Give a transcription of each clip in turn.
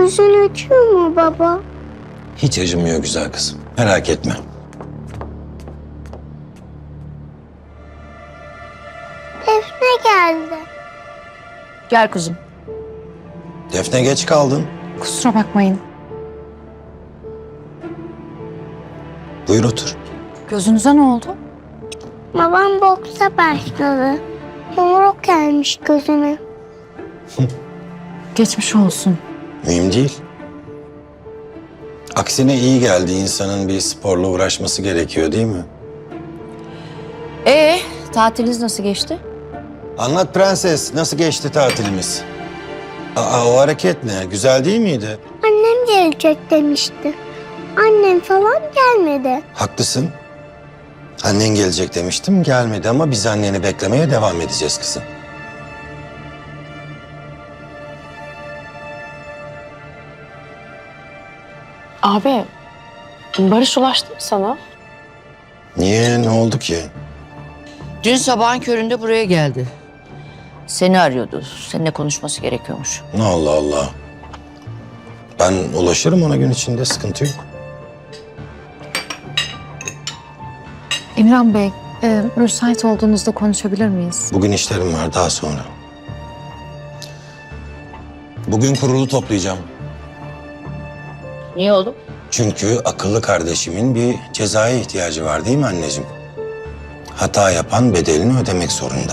Gözün acıyor mu baba? Hiç acımıyor güzel kızım. Merak etme. Defne geldi. Gel kuzum. Defne geç kaldın. Kusura bakmayın. Buyur otur. Gözünüze ne oldu? Babam boksa başladı. Yumruk gelmiş gözüne. Geçmiş olsun. Mühim değil. Aksine iyi geldi. İnsanın bir sporla uğraşması gerekiyor değil mi? Tatiliniz nasıl geçti? Anlat prenses. Nasıl geçti tatilimiz? O hareket ne? Güzel değil miydi? Annem gelecek demişti. Annem falan gelmedi. Haklısın. Annen gelecek demiştim. Gelmedi ama biz anneni beklemeye devam edeceğiz kızım. Abi, Barış ulaştı mı sana? Niye? Ne oldu ki? Dün sabahın köründe buraya geldi. Seni arıyordu. Seninle konuşması gerekiyormuş. Allah Allah. Ben ulaşırım ona gün içinde. Sıkıntı yok. Emirhan Bey, müsait olduğunuzda konuşabilir miyiz? Bugün işlerim var. Daha sonra. Bugün kurulu toplayacağım. Niye oğlum? Çünkü akıllı kardeşimin bir cezaya ihtiyacı var değil mi anneciğim? Hata yapan bedelini ödemek zorunda.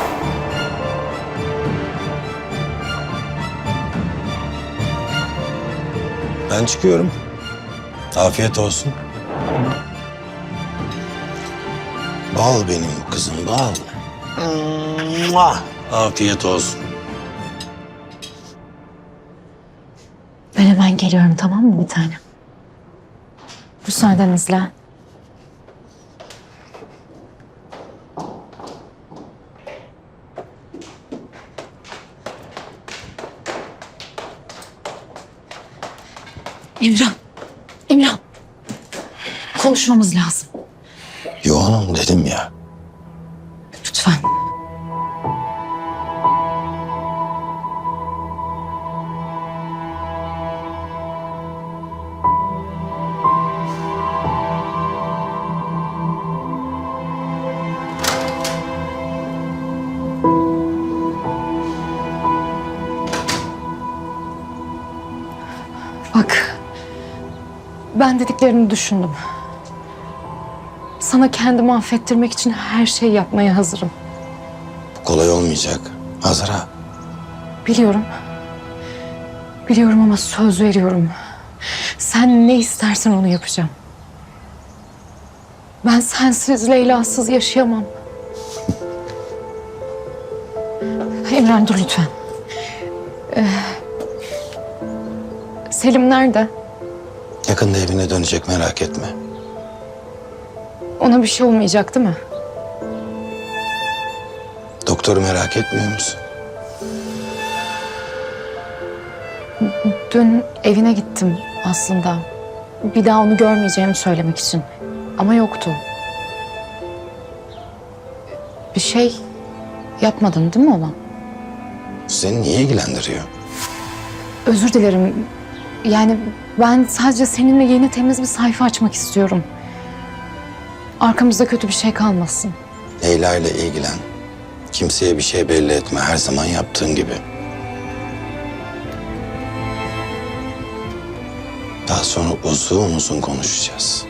Ben çıkıyorum. Afiyet olsun. Bal benim kızım, bal. Afiyet olsun. Ben hemen geliyorum, tamam mı bir tane? Müsaadenizle. Emirhan. Konuşmamız lazım. Yoğunum dedim ya. Lütfen. Bak, ben dediklerini düşündüm. Sana kendimi affettirmek için her şeyi yapmaya hazırım. Bu kolay olmayacak. Azra. Biliyorum. Biliyorum ama söz veriyorum. Sen ne istersen onu yapacağım. Ben sensiz, Leyla'sız yaşayamam. Emren dur lütfen. Selim nerede? Yakında evine dönecek, merak etme. Ona bir şey olmayacak değil mi? Doktoru merak etmiyor musun? Dün evine gittim aslında. Bir daha onu görmeyeceğimi söylemek için. Ama yoktu. Bir şey yapmadın değil mi ona? Seni niye ilgilendiriyor? Özür dilerim. Yani ben sadece seninle yeni temiz bir sayfa açmak istiyorum. Arkamızda kötü bir şey kalmasın. Leyla ile ilgilen. Kimseye bir şey belli etme. Her zaman yaptığın gibi. Daha sonra uzun uzun konuşacağız.